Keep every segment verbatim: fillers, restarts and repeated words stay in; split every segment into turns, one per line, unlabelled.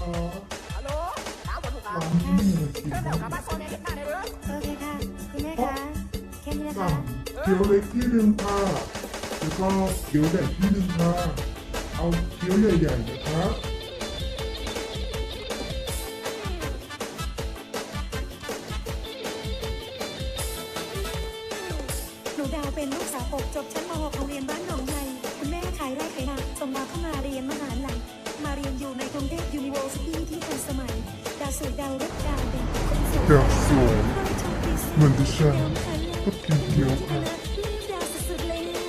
คะ
ฮัลโหลสาวคนลูกค้า
ร้านนี้มีอะไรกิน
เชิญแถ
บ้าว ง
กลับบ้านโซนเอเด็กมาได้เลย
โอเคค่ะคุณแม่คะแค่นี้นะคะ
สั่งเกี๊ยวเล็กที่หนึ่งค่ะแล้วก็เกี๊ยวใหญ่ที่หนึ่งค่ะเอาเกี๊ยวใหญ่ๆนะคะ
หนูดาวเป็นลูกสาวปกจบชั้นม .หก โรงเรียนบ้านหนองไทยคุณแม่ขายไร่ขายนาส่งดาวเข้ามาเรียนมหาลัยมาเรียนอยู่ในกรุงเทพยูนิเวอร์ซิตี้ที่ทันสมัยดาวสวยดาวรุ่งดาวเด่นคนสวย
ดาวสวยเหมือนดิฉันก็กินเกี๊ยวค่ะ
ดาวสุดๆเลยนะ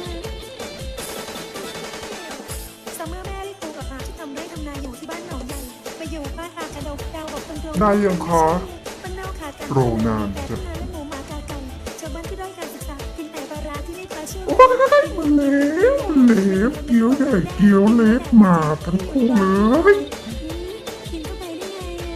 ซัมเมอร์แม่ได้ครูกับอาที่ทำไร่ทำนาอยู่ที่บ้านหนองใหญ่ไปอยู่บ้านอากระดกดาวบอกตรงๆ
ได้ยังคะ
บ้านนอกขาดกัน
โรงงาน
แต่
จะ
ทำงานและหมูหมากาไก่ชาวบ้านที่ด้อยการศึกษากินแต่ปลาร้าที่ไม่ปลาเชื่อม
โอ้ยมันเล็กมันเล็กเกี๊ยวใหญ่เกี๊ยวเล็กมาทั้งคู่เลย
กินเข้าไปได้ไงอะ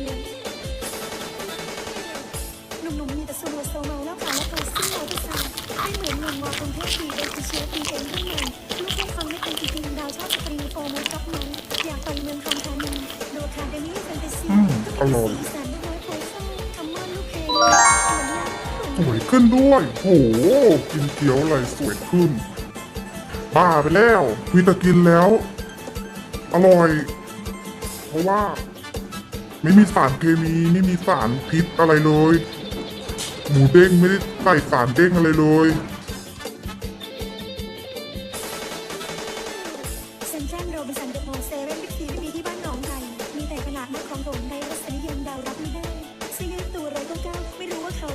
หนุ่มๆมีแต่สูบโซเมาแล้วค่ะแล้วตัวซิ่งมอเตอร์ไซค์ไม่เหมือนหนุ่มมอกรุงเทพดีเอ็นคือเชื้อปีเอ็นรุ่นใหม่ลูกแค่ฟังไม่เป็นจริงๆดาวชอบสตรีโฟร์มันกับมันอยากไปเมืองทองธานีดูคาเดมี่แฟนตาซี
อืมอร่อย
สีสันด้วยโพสต์คำว่าลูกเพลงเหมือน
สวยขึ้นด้วยโหกินเกี๊ยวอะไรสวยขึ้น บ้าไปแล้วมีแต่กินแล้ว อร่อย เพราะว่า ไม่มีสารเคมีไม่มีสารพิษอะไรเลย หมูเด้งไม่ได้ใส่สารเด้งอะไรเลย